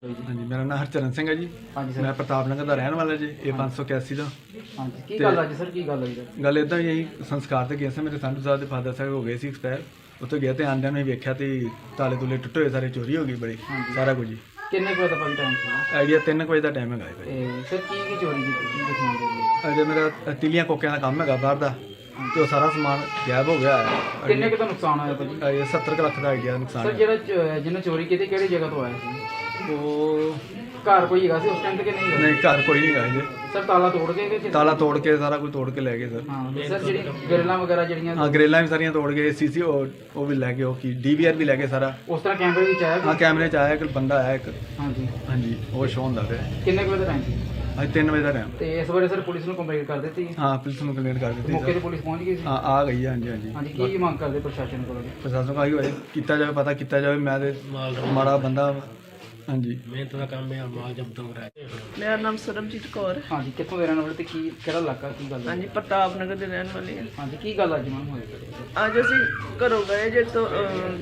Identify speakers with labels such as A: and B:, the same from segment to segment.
A: ਬਾਈ ਜੀ?
B: ਹਾਂਜੀ, ਮੇਰਾ ਨਾਮ ਹਰਚਰਨ ਸਿੰਘ ਹੈ ਜੀ।
A: ਹਾਂਜੀ ਸਰ।
B: ਮੈਂ ਪ੍ਰਤਾਪ ਨਗਰ ਦਾ ਰਹਿਣ ਵਾਲਾ ਜੀ, ਇਹ 581 ਦਾ।
A: ਹਾਂਜੀ, ਕੀ ਗੱਲ ਅੱਜ ਸਰ, ਕੀ ਗੱਲ ਹੋਈ ਸਰ?
B: ਗੱਲ ਇਦਾਂ ਹੀ ਸੰਸਕਾਰ ਤੇ ਗਏ ਸੀ, ਮੇਰੇ ਸੰਧੂ ਸਾਹਿਬ ਦੇ ਫਾਦਰ ਸਾਹਿਬ ਹੋ ਗਏ ਸੀ ਐਕਸਪਾਇਰ। ਉੱਥੇ ਗਿਆ ਤੇ ਆਂਦਿਆਂ ਨੂੰ ਹੀ ਵੇਖਿਆ ਤੇ ਤਾਲੇ ਤੁਲੇ ਟੁੱਟੇ ਹੋਏ, ਸਾਰੇ ਚੋਰੀ ਹੋ ਗਈ ਬੜੀ, ਸਾਰਾ ਕੁਝ ਜੀ।
A: ਕਿੰਨੇ ਕੁ ਵਜੇ ਦਾ ਭਾਈ ਟਾਈਮ ਸੀ?
B: ਆਈਡੀਆ 3 ਵਜੇ ਦਾ ਟਾਈਮ ਹੈਗਾ ਜੀ।
A: ਤੇ ਸਰ ਕੀ ਚੋਰੀ ਕੀਤੀ, ਕੀ ਦਿਖਾਉਣ ਦੇ?
B: ਅਜੇ ਮੇਰਾ ਤਿਲੀਆਂ ਕੋਕਿਆਂ ਦਾ ਕੰਮ ਹੈਗਾ ਬਾਹਰ ਦਾ, ਤੇ ਉਹ ਸਾਰਾ ਸਮਾਨ ਗਾਇਬ ਹੋ ਗਿਆ ਹੈ।
A: ਕਿੰਨੇ ਕੁ ਦਾ ਨੁਕਸਾਨ ਹੋਇਆ ਭਾਜੀ?
B: ਇਹ 70 ਕੁ ਲੱਖ ਦਾ ਆਈਡੀਆ ਨੁਕਸਾਨ
A: ਸਰ
B: ਹੈ।
A: ਜਿਹੜਾ ਜਿਹਨੇ ਚੋਰੀ ਕੀਤੀ ਕਿਹੜੀ ਜਗ੍ਹਾ ਤੋਂ ਆਇਆ ਸੀ?
B: ਉਹ
A: ਘਰ ਕੋਈ ਹੈਗਾ ਸੀ ਉਸ ਟਾਈਮ ਤੇ ਕਿ ਨਹੀਂ?
B: ਨਹੀਂ, ਘਰ ਕੋਈ ਨਹੀਂ ਹੈਗਾ ਜੀ।
A: ਸਰ ਤਾਲਾ ਤੋੜ ਕੇ ਕਿ?
B: ਤਾਲਾ ਤੋੜ ਕੇ ਸਾਰਾ ਕੁਝ ਤੋੜ ਕੇ ਲੈ ਗਏ ਸਰ।
A: ਹਾਂ ਸਰ, ਜਿਹੜੀ ਗਰਿੱਲਾਂ ਵਗੈਰਾ ਜਿਹੜੀਆਂ
B: ਹਾਂ, ਗਰੇਲਾਂ ਵੀ ਸਾਰੀਆਂ ਤੋੜ ਗਏ, ਸੀਸੀ ਉਹ ਵੀ ਲੈ ਗਏ, ਉਹ ਕੀ DVR ਵੀ ਲੈ ਗਏ ਸਾਰਾ।
A: ਉਸ ਤਰ੍ਹਾਂ ਕੈਮਰੇ ਵਿੱਚ ਆਇਆ?
B: ਹਾਂ, ਕੈਮਰੇ 'ਚ ਆਇਆ ਇੱਕ ਬੰਦਾ ਆਇਆ ਇੱਕ।
A: ਹਾਂਜੀ
B: ਹਾਂਜੀ, ਉਹ ਸ਼ੋਅ ਹੁੰਦਾ ਪਿਆ।
A: ਕਿੰਨੇ ਕੁ ਵਜੇ ਦਾ ਟਾਈਮ ਸੀ?
B: ਅੱਜ 3 ਵਜੇ ਦਾ ਟਾਈਮ।
A: ਤੇ ਇਸ ਬਾਰੇ ਸਰ ਪੁਲਿਸ ਨੂੰ ਕੰਪਲੇਂਟ ਕਰ ਦਿੱਤੀ?
B: ਹਾਂ, ਪੁਲਿਸ ਨੂੰ ਕੰਪਲੇਂਟ ਕਰ ਦਿੱਤੀ
A: ਮੌਕੇ
B: ਸਰ।
A: ਤੇ ਪੁਲਿਸ ਪਹੁੰਚ ਗਈ ਸੀ?
B: ਹਾਂ, ਆ ਗਈ ਹੈ। ਹਾਂਜੀ ਹਾਂਜੀ।
A: ਹਾਂਜੀ, ਕੀ ਮੰਗ ਕਰਦੇ ਪ੍ਰਸ਼ਾਸਨ ਕੋਲੋਂ?
B: ਪ੍ਰਸ਼ਾਸਨ ਕਹੀ ਹੋਏ ਕੀਤਾ ਜਾਵੇ, ਪਤਾ ਕੀਤਾ ਜਾਵੇ। ਮੈਂ ਤੇ ਮਾੜਾ ਬੰਦਾ। ਹਾਂਜੀ,
C: ਮਿਹਨਤ ਦਾ ਕੰਮ ਹੈ, ਮਾਲ ਜਬਤ ਹੋ ਰਿਹਾ ਹੈ।
D: ਮੇਰਾ ਨਾਮ ਸਰਬਜੀਤ ਕੌਰ ਹੈ।
A: ਹਾਂਜੀ, ਕਿੱਥੋਂ ਦੇ ਰਹਿਣ ਵਾਲੇ ਤੇ ਕੀ ਕਿਹੜਾ ਇਲਾਕਾ, ਕੀ ਗੱਲ ਹੈ?
D: ਹਾਂਜੀ, ਪ੍ਰਤਾਪ ਨਗਰ ਦੇ ਰਹਿਣ ਵਾਲੇ ਹਾਂ।
A: ਹਾਂਜੀ, ਕੀ ਗੱਲ ਅੱਜ ਮੈਮ ਹੋਈ?
D: ਅੱਜ ਅਸੀਂ ਘਰੋਂ ਗਏ ਜੇ ਤੋਂ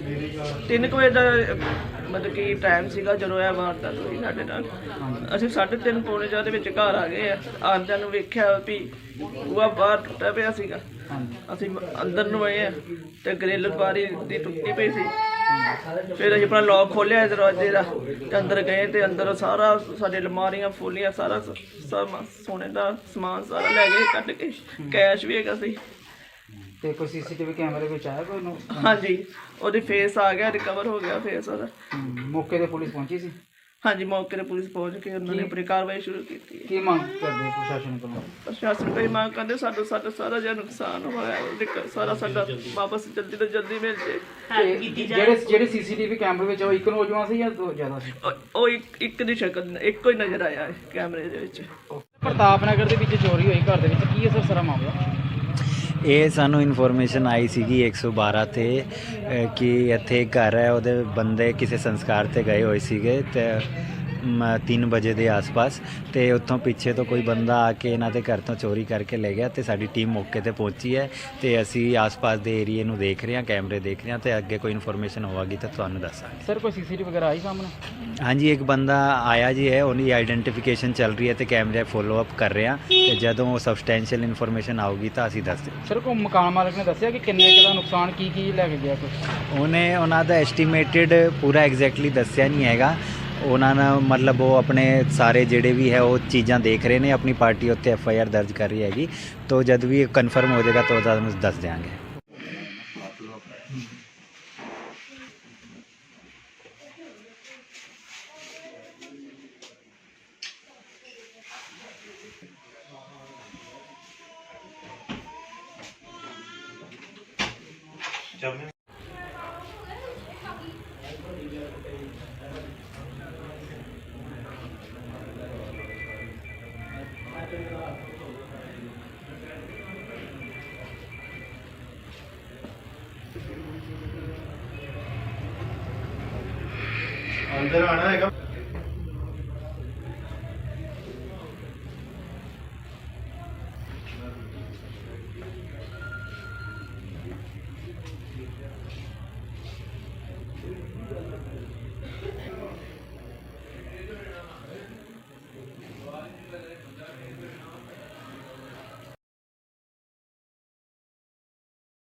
D: 3 ਵਜੇ ਦਾ ਮਤਲਬ ਕਿ ਟਾਈਮ ਸੀਗਾ ਜਦੋਂ ਇਹ ਵਾਰਦਾਤ ਹੋਈ ਸਾਡੇ ਨਾਲ। ਅਸੀਂ 3:30 ਪੌਣੇ 4 ਦੇ ਵਿੱਚ ਘਰ ਆ ਗਏ ਆ। ਆਉਂਦਿਆਂ ਨੂੰ ਵੇਖਿਆ ਵੀ ਬੂਹਾ ਬਾਹਰ ਟੁੱਟਾ ਪਿਆ ਸੀਗਾ। ਅਸੀਂ ਅੰਦਰ ਨੂੰ ਆਏ ਆ ਤੇ ਗ੍ਰਿਲ ਬਾਰੀ ਦੀ ਟੁੱਟੀ ਪਈ ਸੀ। ਫਿਰ ਅਸੀਂ ਆਪਣਾ ਲੌਕ ਖੋਲ੍ਹਿਆ ਦਰਵਾਜ਼ੇ ਦਾ ਤੇ ਅੰਦਰ ਗਏ ਤੇ ਅੰਦਰ ਸਾਰਾ ਸਾਡੇ ਅਲਮਾਰੀਆਂ ਫੋਲੀਆਂ, ਸਾਰਾ ਸੋਨੇ ਦਾ ਸਮਾਨ ਸਾਰਾ ਲੈ ਗਏ ਕੱਢ ਕੇ। ਕੈਸ਼ ਵੀ ਹੈਗਾ ਸੀ।
A: ਤੇ ਕੋਈ CCTV ਕੈਮਰੇ ਵਿੱਚ ਆਇਆ ਕੋਈ ਨੂੰ?
D: ਹਾਂਜੀ, ਉਹਦੀ ਫੇਸ ਆ ਗਿਆ, ਰਿਕਵਰ ਹੋ ਗਿਆ ਫੇਸ ਉਹਦਾ।
A: ਮੌਕੇ ਤੇ ਪੁਲਿਸ ਪਹੁੰਚੀ ਸੀ?
D: ਹਾਂਜੀ, ਮੌਕੇ ਤੇ ਪੁਲਿਸ ਪਹੁੰਚ ਕੇ ਉਹਨਾਂ ਨੇ ਆਪਣੀ ਕਾਰਵਾਈ ਸ਼ੁਰੂ ਕੀਤੀ ਹੈ।
A: ਕੀ ਮੰਗ ਕਰਦੇ ਪ੍ਰਸ਼ਾਸਨ ਕੋਲੋਂ?
D: ਪ੍ਰਸ਼ਾਸਨ ਕੋਈ ਮੰਗ ਕਰਦੇ ਸਾਡਾ ਸਾਰਾ ਜਿਹੜਾ ਨੁਕਸਾਨ ਹੋਇਆ ਉਹਦੇ ਸਾਰਾ ਸਾਡਾ ਵਾਪਸ ਜਲਦੀ ਤੋਂ ਜਲਦੀ ਮਿਲ ਜੇ।
A: ਤੇ ਜਿਹੜੇ CCTV ਕੈਮਰੇ ਵਿੱਚ ਉਹ ਇੱਕ ਨੌਜਵਾਨ ਸੀ ਜਾਂ ਦੋ ਜ਼ਿਆਦਾ ਸੀ?
D: ਉਹ ਇੱਕ ਦੀ ਸ਼ਕਲ ਇੱਕੋ ਹੀ ਨਜ਼ਰ ਆਇਆ ਹੈ ਕੈਮਰੇ ਦੇ ਵਿੱਚ।
A: ਪ੍ਰਤਾਪ ਨਗਰ ਦੇ ਵਿੱਚ ਚੋਰੀ ਹੋਈ ਘਰ ਦੇ ਵਿੱਚ, ਕੀ ਹੈ ਸਰ ਸਾਰਾ ਮਾਮਲਾ?
E: ਇਹ ਸਾਨੂੰ ਇਨਫੋਰਮੇਸ਼ਨ ਆਈ ਸੀਗੀ 112 ਤੇ ਕਿ ਇੱਥੇ ਇੱਕ ਘਰ ਹੈ, ਉਹਦੇ ਬੰਦੇ ਕਿਸੇ ਸੰਸਕਾਰ ਤੇ ਗਏ ਹੋਏ ਸੀਗੇ ਤੇ 3 ਵਜੇ ਦੇ ਆਸ-ਪਾਸ, ਤੇ ਉੱਥੋਂ ਪਿੱਛੇ ਤੋਂ ਕੋਈ ਬੰਦਾ ਆ ਕੇ ਇਹਨਾਂ ਦੇ ਘਰ ਤੋਂ ਚੋਰੀ ਕਰਕੇ ਲੈ ਗਿਆ। ਤੇ ਸਾਡੀ ਟੀਮ ਮੌਕੇ ਤੇ ਪਹੁੰਚੀ ਹੈ ਤੇ ਅਸੀਂ ਆਸ-ਪਾਸ ਦੇ ਏਰੀਏ ਨੂੰ ਦੇਖ ਰਹੇ ਹਾਂ, ਕੈਮਰੇ ਦੇਖ ਰਹੇ ਹਾਂ, ਤੇ ਅੱਗੇ ਕੋਈ ਇਨਫੋਰਮੇਸ਼ਨ ਹੋਵੇਗੀ ਤਾਂ ਤੁਹਾਨੂੰ ਦੱਸਾਂਗੇ।
A: ਸਰ ਕੋਈ CCTV ਵਗੈਰਾ ਆਈ ਸਾਹਮਣੇ?
E: ਹਾਂਜੀ, ਇੱਕ ਬੰਦਾ ਆਇਆ ਜੀ ਹੈ, ਉਹਦੀ ਆਈਡੈਂਟੀਫਿਕੇਸ਼ਨ ਚੱਲ ਰਹੀ ਹੈ ਤੇ ਕੈਮਰੇ ਫੋਲੋ ਅਪ ਕਰ ਰਹੇ ਹਾਂ, ਤੇ ਜਦੋਂ ਸਬਸਟੈਂਸ਼ੀਅਲ ਇਨਫੋਰਮੇਸ਼ਨ ਆਊਗੀ ਤਾਂ ਅਸੀਂ ਦੱਸ ਦਿਆਂਗੇ।
A: ਸਰ ਕੋਈ ਮਕਾਨ ਮਾਲਕ ਨੇ ਦੱਸਿਆ ਕਿ ਕਿੰਨੇ ਕੁ ਦਾ ਨੁਕਸਾਨ, ਕੀ ਲੈ ਕੇ ਗਿਆ ਕੁਛ?
E: ਉਹਨਾਂ ਦਾ ਐਸਟੀਮੇਟਿਡ ਪੂਰਾ ਐਗਜ਼ੈਕਟਲੀ ਦੱਸਿਆ ਨਹੀਂ ਹੈਗਾ। ਉਹਨਾਂ ਨੇ ਮਤਲਬ ਉਹ ਆਪਣੇ ਸਾਰੇ ਜਿਹੜੇ ਵੀ ਹੈ ਉਹ ਚੀਜ਼ਾਂ ਦੇਖ ਰਹੇ ਨੇ, ਆਪਣੀ ਪਾਰਟੀ ਉੱਤੇ FIR ਦਰਜ ਕਰ ਰਹੀ ਹੈਗੀ, ਤਾਂ ਜਦ ਵੀ ਕਨਫਰਮ ਹੋ ਜਾਏਗਾ ਤਾਂ ਤੁਹਾਨੂੰ ਦੱਸ ਦਿਆਂਗੇ।
B: ਅੰਦਰ ਆਣਾ ਹੈਗਾ।